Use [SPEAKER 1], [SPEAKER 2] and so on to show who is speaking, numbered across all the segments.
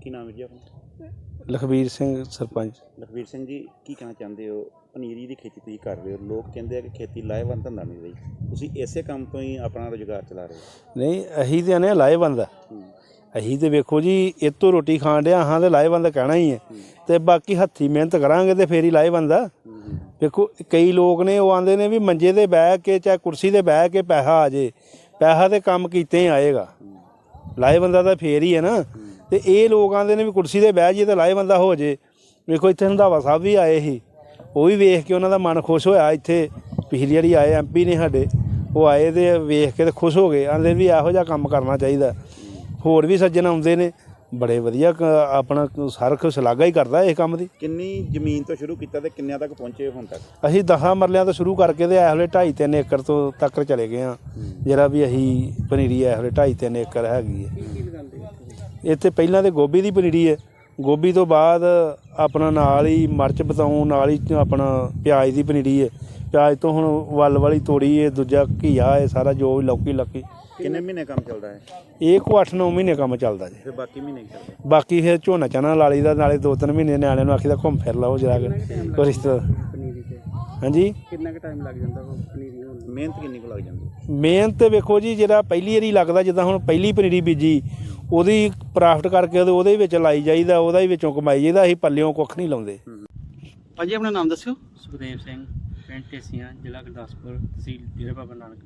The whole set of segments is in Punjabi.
[SPEAKER 1] ਕੀ ਨਾਮ ਹੈ ਜੀ ਆਪਣਾ?
[SPEAKER 2] ਲਖਬੀਰ ਸਿੰਘ ਸਰਪੰਚ।
[SPEAKER 1] ਲਖਬੀਰ ਸਿੰਘ ਜੀ, ਕੀ ਕਹਿਣਾ ਚਾਹੁੰਦੇ ਹੋ? ਪਨੀਰੀ ਦੀ ਖੇਤੀ ਤੁਸੀਂ ਕਰ ਰਹੇ ਹੋ, ਲੋਕ ਕਹਿੰਦੇ ਆ ਕਿ ਖੇਤੀ ਲਾਹੇਵੰਦ ਧੰਦਾ ਨਹੀਂ ਰਹੀ, ਤੁਸੀਂ ਇਸੇ ਕੰਮ ਤੋਂ ਹੀ ਆਪਣਾ ਰੁਜ਼ਗਾਰ ਚਲਾ ਰਹੇ ਹੋ?
[SPEAKER 2] ਨਹੀਂ, ਅਸੀਂ ਤਾਂ ਆਨੇ ਲਾਹੇਵੰਦ ਆ। ਅਸੀਂ ਤਾਂ ਵੇਖੋ ਜੀ, ਇਹ ਤੋਂ ਰੋਟੀ ਖਾਣ ਡਿਆ ਹਾਂ ਤਾਂ ਲਾਹੇਵੰਦ ਕਹਿਣਾ ਹੀ ਹੈ, ਅਤੇ ਬਾਕੀ ਹੱਥੀਂ ਮਿਹਨਤ ਕਰਾਂਗੇ ਤਾਂ ਫੇਰ ਹੀ ਲਾਹੇਵੰਦ ਆ। ਵੇਖੋ ਕਈ ਲੋਕ ਨੇ ਉਹ ਆਉਂਦੇ ਨੇ ਵੀ ਮੰਜੇ 'ਤੇ ਬਹਿ ਕੇ ਚਾਹੇ ਕੁਰਸੀ 'ਤੇ ਬਹਿ ਕੇ ਪੈਸਾ ਆ ਜੇ, ਪੈਸਾ ਤਾਂ ਕੰਮ ਕੀਤੇ ਹੀ ਆਏਗਾ, ਲਾਹੇਵੰਦਾ ਤਾਂ ਫੇਰ ਹੀ ਹੈ ਨਾ। ਅਤੇ ਇਹ ਲੋਕ ਆਉਂਦੇ ਨੇ ਵੀ ਕੁਰਸੀ 'ਤੇ ਬਹਿ ਜਾਈਏ ਤਾਂ ਲਾਹੇਵੰਦਾ ਹੋ ਜੇ। ਵੇਖੋ ਇੱਥੇ ਰੰਧਾਵਾ ਸਾਹਿਬ ਵੀ ਆਏ ਸੀ, ਉਹ ਵੀ ਵੇਖ ਕੇ ਉਹਨਾਂ ਦਾ ਮਨ ਖੁਸ਼ ਹੋਇਆ। ਇੱਥੇ ਪਿਛਲੀ ਵਾਰੀ ਆਏ MP ਨੇ ਸਾਡੇ, ਉਹ ਆਏ ਅਤੇ ਵੇਖ ਕੇ ਤਾਂ ਖੁਸ਼ ਹੋ ਗਏ, ਆਂਦੇ ਵੀ ਇਹੋ ਜਿਹਾ ਕੰਮ ਕਰਨਾ ਚਾਹੀਦਾ। ਹੋਰ ਵੀ ਸੱਜਣ ਆਉਂਦੇ ਨੇ, ਬੜੇ ਵਧੀਆ ਆਪਣਾ ਹਰ ਸ਼ਲਾਘਾ ਹੀ ਕਰਦਾ ਇਸ ਕੰਮ ਦੀ।
[SPEAKER 1] ਕਿੰਨੀ ਜ਼ਮੀਨ ਤੋਂ ਸ਼ੁਰੂ ਕੀਤਾ ਤੇ ਕਿੰਨਿਆਂ ਤੱਕ ਪਹੁੰਚੇ ਹੁਣ ਤੱਕ?
[SPEAKER 2] ਅਸੀਂ 10 ਮਰਲਿਆਂ ਤੋਂ ਸ਼ੁਰੂ ਕਰਕੇ ਤੇ ਇਸ ਵੇਲੇ 2.5-3 ਏਕੜ ਤੋਂ ਤੱਕ ਚਲੇ ਗਏ ਹਾਂ। ਜਿਹੜਾ ਵੀ ਅਸੀਂ ਪਨੀਰੀ ਇਸ ਵੇਲੇ 2.5-3 ਏਕੜ ਹੈਗੀ ਹੈ। ਇੱਥੇ ਪਹਿਲਾਂ ਤਾਂ ਗੋਭੀ ਦੀ ਪਨੀਰੀ ਹੈ, ਗੋਭੀ ਤੋਂ ਬਾਅਦ ਆਪਣਾ ਨਾਲ ਹੀ ਮਿਰਚ ਬਤਾਊਂ, ਨਾਲ ਹੀ ਆਪਣਾ ਪਿਆਜ਼ ਦੀ ਪਨੀਰੀ ਹੈ। ਪਿਆਜ਼ ਤੋਂ ਹੁਣ ਵੱਲ ਵਾਲੀ ਤੋੜੀ ਹੈ, ਦੂਜਾ ਘੀਆ ਹੈ, ਸਾਰਾ ਜੋ ਵੀ ਲੌਕੀ।
[SPEAKER 1] ਕਿੰਨੇ ਮਹੀਨੇ ਕੰਮ ਚੱਲਦਾ ਹੈ?
[SPEAKER 2] ਇਹ ਕੋ 8-9 ਮਹੀਨੇ ਕੰਮ ਚੱਲਦਾ ਜੀ।
[SPEAKER 1] ਫਿਰ ਬਾਕੀ ਮਹੀਨੇ ਕੀ ਕਰਦੇ?
[SPEAKER 2] ਬਾਕੀ ਫਿਰ ਝੋਨਾ ਚਾਨਾ ਲਾ ਲਈਦਾ, ਨਾਲੇ 2-3 ਮਹੀਨੇ ਨਿਆਣਿਆਂ ਨੂੰ ਆਖੀਦਾ ਘੁੰਮ ਫਿਰ ਲਓ ਜਰਾ ਕੋਈ ਰਿਸ਼ਤਾ। ਹਾਂਜੀ,
[SPEAKER 1] ਕਿੰਨਾ ਕੁ ਟਾਈਮ ਲੱਗ ਜਾਂਦਾ ਪਨੀਰੀ ਹੋਣ? ਮਿਹਨਤ ਕਿੰਨੀ ਕੁ ਲੱਗ ਜਾਂਦੀ?
[SPEAKER 2] ਮਿਹਨਤ ਵੇਖੋ ਜੀ, ਜਿਹੜਾ ਪਹਿਲੀ ਵਾਰੀ ਲੱਗਦਾ, ਜਿੱਦਾਂ ਹੁਣ ਪਹਿਲੀ ਪਨੀਰੀ ਬੀਜੀ ਉਹਦੀ ਪ੍ਰਾਫਟ ਕਰਕੇ ਉਹਦੇ ਵਿੱਚ ਲਾਈ ਜਾਈਦਾ, ਉਹਦਾ ਹੀ ਵਿੱਚੋਂ ਕਮਾਈ ਜਾਈਦਾ। ਅਸੀਂ ਪੱਲਿਓਂ ਕੁੱਖ ਨਹੀਂ ਲਾਉਂਦੇ।
[SPEAKER 3] ਭਾਜੀ ਆਪਣਾ ਨਾਮ ਦੱਸਿਓ।
[SPEAKER 4] ਸੁਖਦੇਵ ਸਿੰਘ, ਪਿੰਡ ਢੇਸੀਆਂ, ਜ਼ਿਲ੍ਹਾ ਗੁਰਦਾਸਪੁਰ, ਤਹਿਸੀਲ ਡੇਰਾ ਬਾਬਾ ਨਾਨਕ।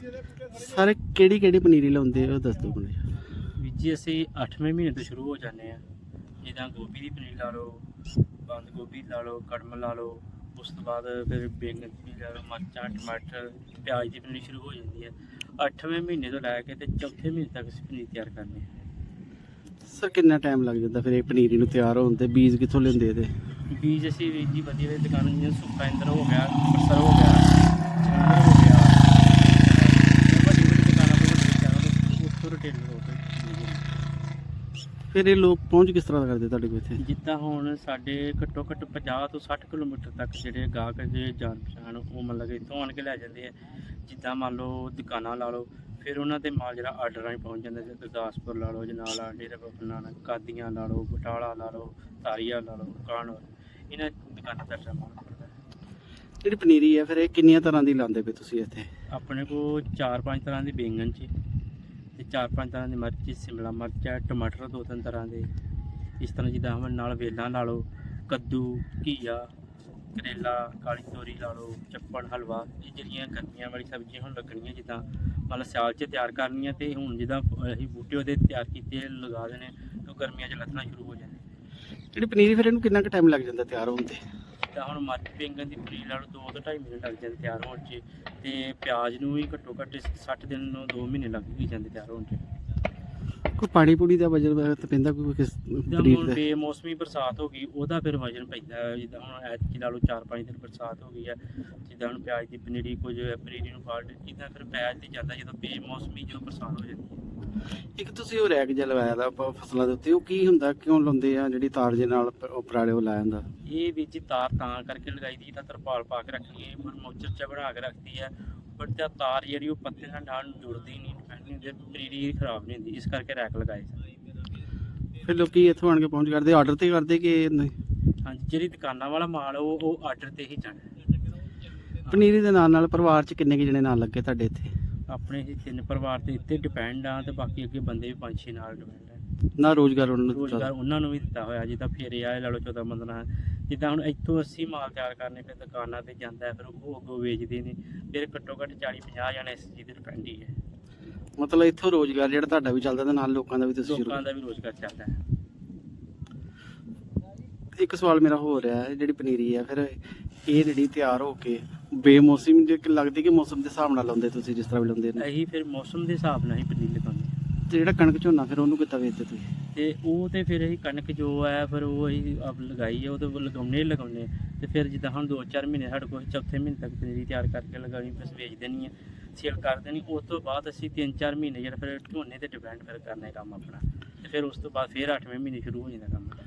[SPEAKER 3] ਸਰ ਕਿਹੜੀ ਪਨੀਰੀ ਲਾਉਂਦੇ ਹੋ ਦੱਸ ਦਿਓ ਮੈਨੂੰ।
[SPEAKER 4] ਵੀਰ ਜੀ ਅਸੀਂ 8ਵੇਂ ਮਹੀਨੇ ਤੋਂ ਸ਼ੁਰੂ ਹੋ ਜਾਂਦੇ ਹਾਂ। ਜਿੱਦਾਂ ਗੋਭੀ ਦੀ ਪਨੀਰੀ ਲਾ ਲਓ, ਬੰਦ ਗੋਭੀ ਲਾ ਲਓ, ਕੜਮ ਲਾ ਲਓ, ਉਸ ਤੋਂ ਬਾਅਦ ਫਿਰ ਬੈਂਗਣ ਦੀ ਪਨੀਰੀ ਲਾ ਲਓ, ਮਿਰਚਾਂ, ਟਮਾਟਰ, ਪਿਆਜ਼ ਦੀ ਪਨੀਰੀ ਸ਼ੁਰੂ ਹੋ ਜਾਂਦੀ ਹੈ। 8ਵੇਂ ਮਹੀਨੇ ਤੋਂ ਲੈ ਕੇ ਤੇ ਚੌਥੇ ਮਹੀਨੇ ਤੱਕ ਅਸੀਂ ਪਨੀਰੀ ਤਿਆਰ ਕਰਨੀ ਹੈ।
[SPEAKER 3] ਸਰ ਕਿੰਨਾ ਟਾਈਮ ਲੱਗ ਜਾਂਦਾ ਫਿਰ ਇਹ ਪਨੀਰੀ ਨੂੰ ਤਿਆਰ ਹੋਣ ਤੇ? ਬੀਜ ਕਿੱਥੋਂ ਲੈਂਦੇ ਇਹਦੇ?
[SPEAKER 4] ਬੀਜ ਅਸੀਂ ਵੀਰ ਜੀ ਵਧੀਆ ਦੁਕਾਨ, ਜਿਵੇਂ ਸੁੱਕਾ ਇੰਦਰ ਹੋ ਗਿਆ, ਅੰਮ੍ਰਿਤਸਰ ਹੋ ਗਿਆ, ਜਲੰਧਰ ਹੋ ਗਿਆ, ਵੱਡੀ ਦੁਕਾਨਾਂ ਤੋਂ ਉੱਥੋਂ ਰਿਟੇਲਰ ਹੋ ਕੇ।
[SPEAKER 3] ਫਿਰ ਇਹ ਲੋਕ ਪਹੁੰਚ ਕਿਸ ਤਰ੍ਹਾਂ ਕਰਦੇ ਤੁਹਾਡੇ ਕੋਲ ਇੱਥੇ?
[SPEAKER 4] ਜਿੱਦਾਂ ਹੁਣ ਸਾਡੇ ਘੱਟੋ ਘੱਟ 50 ਤੋਂ 60 ਕਿਲੋਮੀਟਰ ਤੱਕ ਜਿਹੜੇ ਗਾਹਕ ਜੇ ਜਾਣ ਪਛਾਣ ਉਹ ਮਤਲਬ ਕਿ ਇੱਥੋਂ ਆਣ ਕੇ ਲੈ ਜਾਂਦੇ ਆ। ਜਿੱਦਾਂ ਮੰਨ ਲਓ ਦੁਕਾਨਾਂ ਲਾ ਲਓ, ਫਿਰ ਉਹਨਾਂ ਦੇ ਮਾਲ ਜਿਹੜਾ ਆਰਡਰ ਰਾਹੀਂ ਪਹੁੰਚ ਜਾਂਦਾ। ਜਿੱਦਾਂ ਗੁਰਦਾਸਪੁਰ ਲਾ ਲਓ, ਜਨਾਲਾ, ਡੇਰਾ ਬਾਬਾ ਨਾਨਕ, ਕਾਦੀਆਂ ਲਾ ਲਓ, ਬਟਾਲਾ ਲਾ ਲਓ, ਤਾਰੀਆ ਲਾ ਲਓ, ਕਾਨੌਰ, ਇਹਨਾਂ ਦੁਕਾਨਾਂ ਦਾ ਮਾਲ ਪੜਦਾ।
[SPEAKER 3] ਜਿਹੜੀ ਪਨੀਰੀ ਹੈ ਫਿਰ ਇਹ ਕਿੰਨੀਆਂ ਤਰ੍ਹਾਂ ਦੀ ਲਾਉਂਦੇ ਪਏ ਤੁਸੀਂ ਇੱਥੇ?
[SPEAKER 4] ਆਪਣੇ ਕੋਲ 4-5 ਤਰ੍ਹਾਂ ਦੀ ਬੈਂਗਣ 'ਚ ਤੇ 4-5 ਤਰ੍ਹਾਂ ਦੀ ਮਿਰਚ, ਸ਼ਿਮਲਾ ਮਿਰਚ ਹੈ, ਟਮਾਟਰ 2-3 ਤਰ੍ਹਾਂ ਦੇ। ਇਸ ਤਰ੍ਹਾਂ ਜਿੱਦਾਂ ਹੁਣ ਨਾਲ ਵੇਲਾਂ ਲਾ ਲਓ, ਕੱਦੂ, ਘੀਆ, ਕਰੇਲਾ, ਕਾਲੀ ਤੋਰੀ ਲਾ ਲਓ, ਚੱਪਣ, ਹਲਵਾ। ਇਹ ਜਿਹੜੀਆਂ ਗਰਮੀਆਂ ਵਾਲੀ ਸਬਜ਼ੀਆਂ ਹੁਣ ਲੱਗਣੀਆਂ, ਜਿੱਦਾਂ ਮਤਲਬ ਸਿਆਲ 'ਚ ਤਿਆਰ ਕਰਨੀਆਂ, ਅਤੇ ਹੁਣ ਜਿੱਦਾਂ ਅਸੀਂ ਬੂਟੇ ਉਹਦੇ ਤਿਆਰ ਕੀਤੇ ਲਗਾ ਦੇਣੇ, ਤਾਂ ਗਰਮੀਆਂ 'ਚ ਲੱਥਣਾ ਸ਼ੁਰੂ ਹੋ ਜਾਂਦੇ।
[SPEAKER 3] ਜਿਹੜੀ ਪਨੀਰੀ ਫਿਰ ਇਹਨੂੰ ਕਿੰਨਾ ਕੁ ਟਾਈਮ ਲੱਗ ਜਾਂਦਾ ਤਿਆਰ ਹੋਣ ਤੇ?
[SPEAKER 4] ਜਿੱਦਾਂ ਹੁਣ ਮਿਰਚ ਬੈਂਗਣ ਦੀ ਪਨੀਰੀ ਲਾ ਲਓ 2 ਤੋਂ 2.5 ਮਹੀਨੇ ਲੱਗ ਜਾਂਦੇ ਤਿਆਰ ਹੋਣ 'ਚ, ਅਤੇ ਪਿਆਜ਼ ਨੂੰ ਵੀ ਘੱਟੋ ਘੱਟ 60 ਦਿਨ ਨੂੰ 2 ਮਹੀਨੇ ਲੱਗ ਹੀ ਜਾਂਦੇ ਤਿਆਰ ਹੋਣ 'ਚ।
[SPEAKER 3] ਕੋਈ ਪਾਣੀ ਪੂਣੀ ਦਾ ਵਜਨ ਤਾਂ ਪੈਂਦਾ ਕੋਈ ਕਿਸ
[SPEAKER 4] ਜਿੱਦਾਂ
[SPEAKER 3] ਪਨੀਰ
[SPEAKER 4] ਹੁਣ
[SPEAKER 3] ਦਾ?
[SPEAKER 4] ਬੇਮੌਸਮੀ ਬਰਸਾਤ ਹੋ ਗਈ, ਉਹਦਾ ਫਿਰ ਵਜਨ ਪੈਂਦਾ। ਜਿੱਦਾਂ ਹੁਣ ਐਤਕੀ ਲਾ ਲਓ 4-5 ਦਿਨ ਬਰਸਾਤ ਹੋ ਗਈ ਹੈ, ਜਿੱਦਾਂ ਹੁਣ ਪਿਆਜ਼ ਦੀ ਪਨੀਰੀ ਕੁਝ ਪਨੀਰੀ ਨੂੰ ਫਾਲਟ, ਇੱਦਾਂ ਫਿਰ ਪਿਆਜ਼ 'ਤੇ ਜਾਂਦਾ ਜਦੋਂ ਬੇਮੌਸਮੀ ਜਦੋਂ ਬਰਸਾਤ ਹੋ ਜਾਂਦੀ ਹੈ।
[SPEAKER 3] ਇੱਕ ਤੁਸੀਂ ਉਹ ਰੈਕ ਜਿਹਾ ਲਵਾਇਆ ਦਾ ਫਸਲਾਂ ਦੇ ਉੱਤੇ, ਉਹ ਕੀ ਹੁੰਦਾ, ਕਿਉਂ ਲਾਉਂਦੇ ਆ? ਜਿਹੜੀ ਤਾਰ ਜੇ ਨਾਲ ਉਹ ਪਰਾਲੇ ਉਹ ਲਾਇਆ ਹੁੰਦਾ?
[SPEAKER 4] ਇਹ ਵਿੱਚ ਤਾਰ ਤਾਂ ਕਰਕੇ ਲਗਾਈ ਦੀ, ਤਾਂ ਤਰਪਾਲ ਪਾ ਕੇ ਰੱਖਣੀ ਹੈ, ਮੋਚਰ 'ਚ ਬਣਾ ਕੇ ਰੱਖਦੀ ਹੈ, ਬਟ ਤਾਂ ਤਾਰ ਜਿਹੜੀ ਉਹ ਪੱਤੇ ਨਾਲ ਜੁੜਦੀ ਨਹੀਂ, ਪਨੀਰੀ ਖਰਾਬ ਨਹੀਂ ਹੁੰਦੀ, ਇਸ ਕਰਕੇ ਰੈਕ ਲਗਾਏ ਸੀ।
[SPEAKER 3] ਫਿਰ ਲੋਕੀ ਇੱਥੋਂ ਆਣ ਕੇ ਪਹੁੰਚ ਕਰਦੇ, ਆਰਡਰ ਤੇ ਕਰਦੇ ਕਿ ਨਹੀਂ?
[SPEAKER 4] ਹਾਂਜੀ, ਜਿਹੜੀ ਦੁਕਾਨਾਂ ਵਾਲਾ ਮਾਲ ਉਹ ਆਰਡਰ ਤੇ ਹੀ ਜਾਣਾ।
[SPEAKER 3] ਪਨੀਰੀ ਦੇ ਨਾਲ ਪਰਿਵਾਰ 'ਚ ਕਿੰਨੇ ਕੁ ਜਣੇ ਨਾਲ ਲੱਗੇ ਤੁਹਾਡੇ ਇੱਥੇ?
[SPEAKER 4] ਆਪਣੇ ਹੀ 3 ਪਰਿਵਾਰ ਤੇ ਇੱਥੇ ਡਿਪੈਂਡ ਆ, ਤੇ ਬਾਕੀ ਅੱਗੇ ਬੰਦੇ ਵੀ 5-6 ਨਾਲ ਡਿਪੈਂਡ ਆ।
[SPEAKER 3] ਨਾ ਰੋਜ਼ਗਾਰ ਉਹਨਾਂ ਨੂੰ
[SPEAKER 4] ਰੋਜ਼ਗਾਰ ਉਹਨਾਂ ਨੂੰ ਵੀ ਦਿੱਤਾ ਹੋਇਆ, ਜਿੱਦਾਂ ਫੇਰੇ ਆਏ ਲਾ ਲਓ 14-15। ਜਿੱਦਾਂ ਹੁਣ ਇੱਥੋਂ ਅਸੀਂ ਮਾਲ ਤਿਆਰ ਕਰਨੇ, ਫਿਰ ਦੁਕਾਨਾਂ 'ਤੇ ਜਾਂਦਾ, ਫਿਰ ਉਹ ਅੱਗੋਂ ਵੇਚਦੇ ਨੇ, ਫਿਰ ਘੱਟੋ ਘੱਟ 40-50 ਜਣੇ ਇਸ ਚੀਜ਼ 'ਤੇ ਡਿਪੈਂਡ ਹੀ ਹੈ।
[SPEAKER 3] ਮਤਲਬ ਇੱਥੋਂ ਰੋਜ਼ਗਾਰ ਜਿਹੜਾ ਤੁਹਾਡਾ ਵੀ ਚੱਲਦਾ ਤੇ ਨਾਲ ਲੋਕਾਂ ਦਾ ਵੀ ਤੁਸੀਂ ਸ਼ੁਰੂ?
[SPEAKER 4] ਲੋਕਾਂ ਦਾ ਵੀ ਰੋਜ਼ਗਾਰ ਚੱਲਦਾ ਹੈ।
[SPEAKER 3] ਇੱਕ ਸਵਾਲ ਮੇਰਾ ਹੋ ਰਿਹਾ ਹੈ, ਜਿਹੜੀ ਪਨੀਰੀ ਹੈ ਫਿਰ ਇਹ ਜਿਹੜੀ ਤਿਆਰ ਹੋ ਕੇ ਬੇਮੌਸਮ ਜੇ ਲੱਗਦੀ ਕਿ ਮੌਸਮ ਦੇ ਹਿਸਾਬ ਨਾਲ ਲਾਉਂਦੇ ਤੁਸੀਂ, ਜਿਸ ਤਰ੍ਹਾਂ ਵੀ ਲਾਉਂਦੇ ਨੇ?
[SPEAKER 4] ਅਸੀਂ ਫਿਰ ਮੌਸਮ ਦੇ ਹਿਸਾਬ ਨਾਲ ਹੀ ਪਨੀਰੀ ਲਗਾਉਂਦੇ।
[SPEAKER 3] ਤੇ ਜਿਹੜਾ ਕਣਕ ਝੋਨਾ ਫਿਰ ਉਹਨੂੰ ਕਿੱਦਾਂ ਵੇਚਦੇ ਤੁਸੀਂ?
[SPEAKER 4] ਤੇ ਉਹ ਤੇ ਫਿਰ ਅਸੀਂ ਕਣਕ ਜੋ ਹੈ ਫਿਰ ਉਹ ਅਸੀਂ ਆਪ ਲਗਾਈ ਹੈ, ਉਹ ਤਾਂ ਲਗਾਉਣੇ। ਤੇ ਫਿਰ ਜਿੱਦਾਂ ਹੁਣ 2-4 ਮਹੀਨੇ ਸਾਡੇ ਕੋਲ, ਚੌਥੇ ਮਹੀਨੇ ਤੱਕ ਪਨੀਰੀ ਤਿਆਰ ਕਰਕੇ ਲਗਾਉਣੀ, ਫਿਰ ਵੇਚ ਦੇਣੀ ਹੈ, ਸੇਲ ਕਰ ਦੇਣੀ। ਉਸ ਤੋਂ ਬਾਅਦ ਅਸੀਂ 3-4 ਮਹੀਨੇ ਜਿਹੜਾ ਫਿਰ ਝੋਨੇ 'ਤੇ ਡਿਪੈਂਡ ਫਿਰ ਕਰਨਾ ਕੰਮ ਆਪਣਾ, ਤੇ ਫਿਰ ਉਸ ਤੋਂ ਬਾਅਦ ਫਿਰ 8ਵੇਂ ਮਹੀਨੇ ਸ਼ੁਰੂ ਹੋ ਜਾਂਦਾ ਕੰਮ।